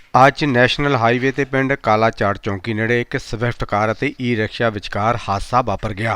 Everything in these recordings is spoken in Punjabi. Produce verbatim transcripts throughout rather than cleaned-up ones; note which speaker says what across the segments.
Speaker 1: ਅੱਜ ਨੈਸ਼ਨਲ ਹਾਈਵੇ ਤੇ ਪਿੰਡ ਕਾਲਾਚਾੜ ਚੌਂਕੀ ਨੇੜੇ ਇੱਕ ਸਵਿਫਟ ਕਾਰ ਅਤੇ ਈ ਰਿਕਸ਼ਾ ਵਿਚਕਾਰ ਹਾਦਸਾ ਵਾਪਰ ਗਿਆ।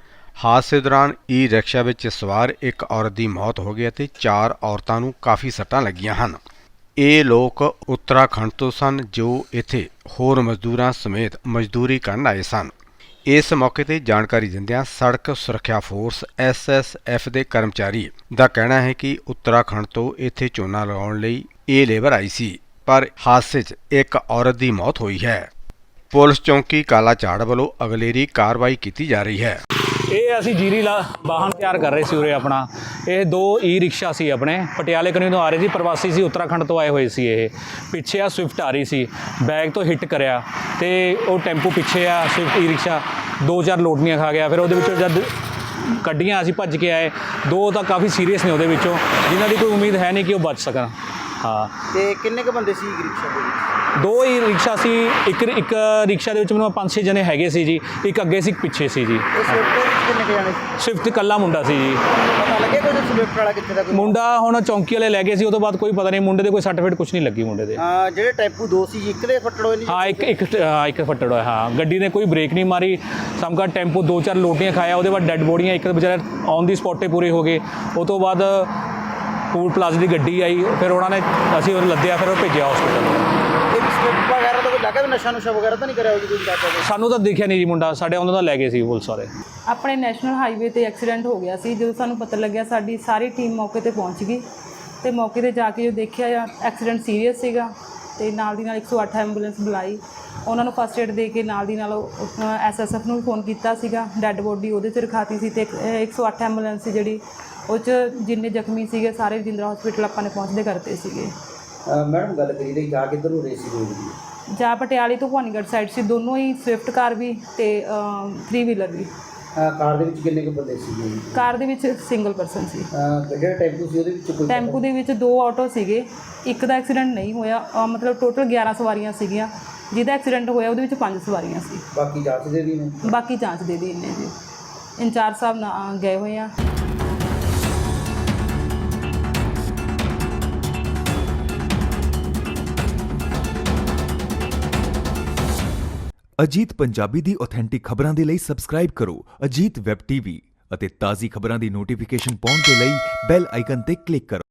Speaker 1: ਹਾਦਸੇ ਦੌਰਾਨ ਈ ਰਿਕਸ਼ਾ ਵਿੱਚ ਸਵਾਰ ਇੱਕ ਔਰਤ ਦੀ ਮੌਤ ਹੋ ਗਈ ਅਤੇ ਚਾਰ ਔਰਤਾਂ ਨੂੰ ਕਾਫੀ ਸੱਟਾਂ ਲੱਗੀਆਂ ਹਨ। ਇਹ ਲੋਕ ਉੱਤਰਾਖੰਡ ਤੋਂ ਸਨ ਜੋ ਇੱਥੇ ਹੋਰ ਮਜ਼ਦੂਰਾਂ ਸਮੇਤ ਮਜ਼ਦੂਰੀ ਕਰਨ ਆਏ ਸਨ। ਇਸ ਮੌਕੇ ਤੇ ਜਾਣਕਾਰੀ ਦਿੰਦਿਆਂ ਸੜਕ ਸੁਰੱਖਿਆ ਫੋਰਸ ਐਸ ਐਸ ਐਫ ਦੇ ਕਰਮਚਾਰੀ ਦਾ ਕਹਿਣਾ ਹੈ ਕਿ ਉੱਤਰਾਖੰਡ ਤੋਂ ਇੱਥੇ ਝੋਨਾ ਲਗਾਉਣ ਲਈ ਇਹ ਲੇਬਰ ਆਈ ਸੀ, ਪਰ ਹਾਦਸੇ 'ਚ ਇੱਕ ਔਰਤ ਦੀ ਮੌਤ ਹੋਈ ਹੈ। ਪੁਲਿਸ ਚੌਂਕੀ ਕਾਲਾਚਾੜ ਵੱਲੋਂ ਅਗਲੇਰੀ ਕਾਰਵਾਈ ਕੀਤੀ ਜਾ ਰਹੀ ਹੈ।
Speaker 2: ਇਹ ਅਸੀਂ ਜੀਰੀ ਲਾ ਵਾਹਨ ਤਿਆਰ ਕਰ ਰਹੇ ਸੀ ਉਰੇ ਆਪਣਾ। ਇਹ ਦੋ ਈ ਰਿਕਸ਼ਾ ਸੀ ਆਪਣੇ, ਪਟਿਆਲੇ ਕਨੀ ਤੋਂ ਆ ਰਹੇ ਸੀ, ਪ੍ਰਵਾਸੀ ਸੀ, ਉੱਤਰਾਖੰਡ ਤੋਂ ਆਏ ਹੋਏ ਸੀ। ਇਹ ਪਿੱਛੇ ਆ ਸਵਿਫਟ ਆ ਰਹੀ ਸੀ, ਬੈਗ ਤੋਂ ਹਿੱਟ ਕਰਿਆ ਅਤੇ ਉਹ ਟੈਂਪੂ ਪਿੱਛੇ ਆ ਸਵਿਫਟ ਈ ਰਿਕਸ਼ਾ ਦੋ ਚਾਰ ਲੋਟਨੀਆਂ ਖਾ ਗਿਆ। ਫਿਰ ਉਹਦੇ ਵਿੱਚੋਂ ਜਦ ਕੱਢੀਆਂ ਅਸੀਂ ਭੱਜ ਕੇ ਆਏ, ਦੋ ਤਾਂ ਕਾਫੀ ਸੀਰੀਅਸ ਨੇ ਉਹਦੇ ਵਿੱਚੋਂ, ਜਿਨ੍ਹਾਂ ਦੀ ਕੋਈ ਉਮੀਦ ਹੈ ਨਹੀਂ ਕਿ ਉਹ ਬਚ ਸਕਣ। ਹਾਂ,
Speaker 3: ਤੇ ਕਿੰਨੇ ਕੁ ਬੰਦੇ ਸੀ ਰਿਕਸ਼ਾ ਦੇ ਵਿੱਚ?
Speaker 2: ਦੋ ਹੀ ਰਿਕਸ਼ਾ ਸੀ। ਇੱਕ ਇੱਕ ਰਿਕਸ਼ਾ ਦੇ ਵਿੱਚ ਮੈਨੂੰ ਪੰਜ ਛੇ ਜਣੇ ਹੈਗੇ ਸੀ ਜੀ, ਇੱਕ ਅੱਗੇ ਸੀ ਇੱਕ ਪਿੱਛੇ ਸੀ ਜੀ।
Speaker 3: ਇਹ ਸਵਿਫਟ ਦੇ ਵਿੱਚ ਕਿੰਨੇ ਕੁ ਜਾਣੇ ਸੀ?
Speaker 2: ਸਵਿਫਟ ਇਕੱਲਾ ਮੁੰਡਾ ਸੀ ਜੀ।
Speaker 3: ਪਤਾ ਲੱਗਿਆ ਕੋਈ ਸਵਿਫਟ ਵਾਲਾ ਕਿੱਥੇ ਦਾ? ਕੋਈ
Speaker 2: ਮੁੰਡਾ ਹੁਣ ਚੌਂਕੀ ਵਾਲੇ ਲੈ ਗਏ ਸੀ, ਉਹ ਤੋਂ ਬਾਅਦ ਕੋਈ ਪਤਾ ਨਹੀਂ। ਮੁੰਡੇ ਦੇ ਕੋਈ ਸਰਟੀਫਿਕੇਟ ਕੁਝ ਨਹੀਂ ਲੱਗੀ ਮੁੰਡੇ ਦੇ।
Speaker 3: ਹਾਂ, ਜਿਹੜੇ ਟੈਂਪੂ ਦੋ ਸੀ ਜੀ, ਇੱਕ ਦੇ ਫੱਟੜ ਹੋਏ ਨਹੀਂ?
Speaker 2: ਹਾਂ, ਇੱਕ ਇੱਕ ਹਾਂ, ਇੱਕ ਫੱਟੜ ਹੋਇਆ। ਹਾਂ, ਗੱਡੀ ਨੇ ਕੋਈ ਬ੍ਰੇਕ ਨਹੀਂ ਮਾਰੀ, ਸਮਕਾ ਟੈਂਪੂ ਦੋ ਚਾਰ ਲੋਟੀਆਂ ਖਾਇਆ। ਉਹਦੇ ਬਾਅਦ ਡੈੱਡ ਬੋਡੀਆਂ, ਇੱਕ ਵਿਚਾਰੇ ਔਨ ਦੀ ਸਪੌਟ 'ਤੇ ਪੂਰੇ ਹੋ ਗਏ। ਉਹ ਤੋਂ ਬਾਅਦ ਟੂਲ ਪਲਾਜ਼ਾ ਦੀ ਗੱਡੀ ਆਈ, ਫਿਰ ਉਹਨਾਂ ਨੇ ਅਸੀਂ ਉਹ ਲੱਦਿਆ, ਫਿਰ ਉਹ ਭੇਜਿਆ ਹਸਪੀਟਲ।
Speaker 3: ਸਵਿਫਟ ਵਗੈਰਾ ਦਾ ਕੋਈ ਲੱਗਾ ਵੀ ਨਸ਼ਾ ਨੁਸ਼ਾ ਵਗੈਰਾ ਤਾਂ ਨਹੀਂ ਕਰਿਆ ਜੀ ਕੋਈ?
Speaker 2: ਸਾਨੂੰ ਤਾਂ ਦੇਖਿਆ ਨਹੀਂ ਜੀ ਮੁੰਡਾ, ਸਾਡੇ ਉਹਨਾਂ ਦਾ ਲੈ ਗਏ ਸੀ ਪੁਲਿਸ ਵਾਲੇ।
Speaker 4: ਆਪਣੇ ਨੈਸ਼ਨਲ ਹਾਈਵੇ ਤੇ ਐਕਸੀਡੈਂਟ ਹੋ ਗਿਆ ਸੀ। ਜਦੋਂ ਸਾਨੂੰ ਪਤਾ ਲੱਗਿਆ, ਸਾਡੀ ਸਾਰੀ ਟੀਮ ਮੌਕੇ ਤੇ ਪਹੁੰਚ ਗਈ ਤੇ ਮੌਕੇ ਤੇ ਜਾ ਕੇ ਜੋ ਦੇਖਿਆ, ਐਕਸੀਡੈਂਟ ਸੀਰੀਅਸ ਸੀਗਾ ਤੇ ਨਾਲ ਦੀ ਨਾਲ ਇੱਕ ਸੌ ਅੱਠ ਐਂਬੂਲੈਂਸ ਬੁਲਾਈ। ਉਹਨਾਂ ਨੂੰ ਫਸਟ ਏਡ ਦੇ ਕੇ ਨਾਲ ਦੀ ਨਾਲ ਐਸ ਐਸ ਐਫ ਨੂੰ ਵੀ ਫੋਨ ਕੀਤਾ ਸੀਗਾ। ਡੈੱਡ ਬੋਡੀ ਉਹਦੇ 'ਚ ਰਖਾਤੀ ਸੀ ਤੇ ਇੱਕ ਸੌ ਅੱਠ ਐਂਬੂਲੈਂਸ ਸੀ ਜਿਹੜੀ, ਉਹ 'ਚ ਜਿੰਨੇ ਜ਼ਖਮੀ ਸੀਗੇ ਸਾਰੇ ਰਜਿੰਦਰਾ ਹਸਪੀਟਲ ਆਪਾਂ ਨੇ ਪਹੁੰਚਦੇ ਕਰਤੇ ਸੀਗੇ।
Speaker 3: ਮੈਡਮ ਗੱਲ ਕਰੀ ਰਹੀ ਜਾ ਕਿੱਧਰ ਨੂੰ ਰਹੀ ਸੀ ਕੋਈ ਜੀ?
Speaker 4: ਜਾ ਪਟਿਆਲੇ ਤੋਂ ਭਵਾਨੀਗੜ੍ਹ ਸਾਈਡ ਸੀ, ਦੋਨੋਂ ਹੀ ਸਵਿਫਟ ਕਾਰ ਵੀ ਤੇ ਥ੍ਰੀ ਵੀਲਰ ਵੀ।
Speaker 3: ਕਾਰ ਦੇ ਵਿੱਚ ਕਿੰਨੇ ਕੁ ਬੰਦੇ ਸੀਗੇ?
Speaker 4: ਕਾਰ ਦੇ ਵਿੱਚ ਸਿੰਗਲ ਪਰਸਨ ਸੀ।
Speaker 3: ਜਿਹੜਾ ਟੈਂਪੂ ਸੀ ਉਹਦੇ ਵਿੱਚ ਕੋਈ?
Speaker 4: ਟੈਂਪੂ ਦੇ ਵਿੱਚ ਦੋ ਆਟੋ ਸੀਗੇ, ਇੱਕ ਦਾ ਐਕਸੀਡੈਂਟ ਨਹੀਂ ਹੋਇਆ। ਅ, ਮਤਲਬ ਟੋਟਲ ਗਿਆਰਾਂ ਸਵਾਰੀਆਂ ਸੀਗੀਆਂ, ਜਿਹਦਾ ਐਕਸੀਡੈਂਟ ਹੋਇਆ ਉਹਦੇ ਵਿੱਚ ਪੰਜ ਸਵਾਰੀਆਂ ਸੀ।
Speaker 3: ਬਾਕੀ ਜਾਂਚ ਦੇ ਦੀ ਨੇ?
Speaker 4: ਬਾਕੀ ਜਾਂਚ ਦੇ ਦੀ ਨੇ ਜੀ, ਇੰਚਾਰਜ ਸਾਹਿਬ ਨਾਲ ਗਏ ਹੋਏ ਆ।
Speaker 5: ਅਜੀਤ ਪੰਜਾਬੀ ਦੀ ਆਥੈਂਟਿਕ ਖਬਰਾਂ ਦੇ ਲਈ ਸਬਸਕ੍ਰਾਈਬ ਕਰੋ ਅਜੀਤ ਵੈਬ ਟੀਵੀ ਅਤੇ ਤਾਜ਼ੀ ਖਬਰਾਂ ਦੀ ਨੋਟੀਫਿਕੇਸ਼ਨ ਪਾਉਣ ਦੇ ਲਈ ਬੈਲ ਆਈਕਨ ਤੇ ਕਲਿੱਕ ਕਰੋ।